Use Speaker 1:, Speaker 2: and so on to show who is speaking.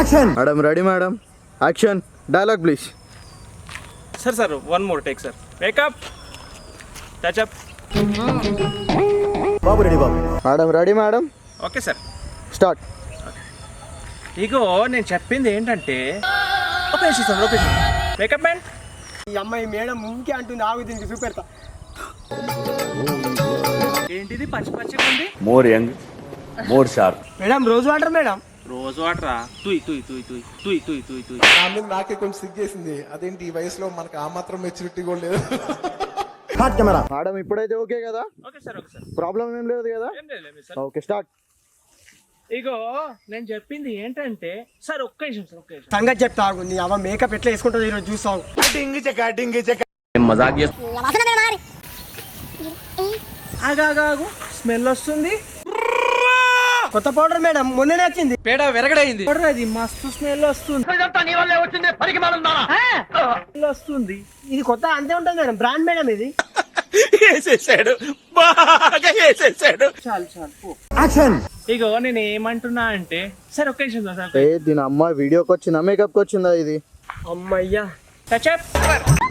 Speaker 1: Action. Madam ready madam. Action. Dialogue please.
Speaker 2: Sir one more take sir. Makeup touch up.
Speaker 1: బాబు ready బాబు. Madam ready madam.
Speaker 2: Okay sir
Speaker 1: start.
Speaker 2: ఇగో నేను చెప్పింది ఏంటంటే location sir location. Makeup man.
Speaker 3: ఈ అమ్మాయి madam ముంకే అంటుంది, ఆగు దీనికి చూపెడతా.
Speaker 2: ఏంటిది పచ్చి పచ్చిగా ఉంది?
Speaker 4: More young more sharp.
Speaker 3: Madam rose water madam.
Speaker 2: రోజు వాటరా? తుయ్ తుయ్ తుయ్ తుయ్ తుయ్ తుయ్ తుయ్ తుయ్.
Speaker 5: నా మీద నాకే కొంచెం సిగ్గేసింది. అదేంటి ఈ వయసులో మనకు ఆ మాత్రం మెచ్యూరిటీ కూడా లేదు.
Speaker 1: Start camera. మేడం ఇప్పుడైతే ఓకే కదా?
Speaker 2: Okay sir okay sir.
Speaker 1: Problem ఏం లేదు కదా?
Speaker 2: ఏం లేదు సార్.
Speaker 1: Okay start.
Speaker 2: ఇగో నేను చెప్పింది ఏంటంటే సార్ ఒక్క నిమిషం సార్ ఒక్క నిమిషం.
Speaker 3: సంగతి చెప్తా ఆగు. నీ అవ్వ మేకప్ ఎట్లా వేసుకుంటుంది ఈరోజు చూస్తావు.
Speaker 2: ఆగాగు స్మెల్ వస్తుంది.
Speaker 3: కొత్త పౌడర్ మేడం మొన్ననే వచ్చింది.
Speaker 2: పేడ వెరగడైంది. అది మస్తు స్మెల్ వస్తుంది. స్మెల్ వస్తుంది.
Speaker 3: ఇది కొత్త అంతే ఉంటుంది మేడం, బ్రాండ్ మేడం ఇది.
Speaker 2: వేసేసాడు బాగా వేసేసాడు. చాలు చాలు పో.
Speaker 1: యాక్షన్.
Speaker 2: ఇగో నేను ఏమంటున్నా అంటే సార్ ఒక్క నిమిషం సార్.
Speaker 1: దీని అమ్మ వీడియోకి వచ్చిందా మేకప్కి వచ్చిందా ఇది?
Speaker 3: అమ్మయ్యా.
Speaker 2: Touch up.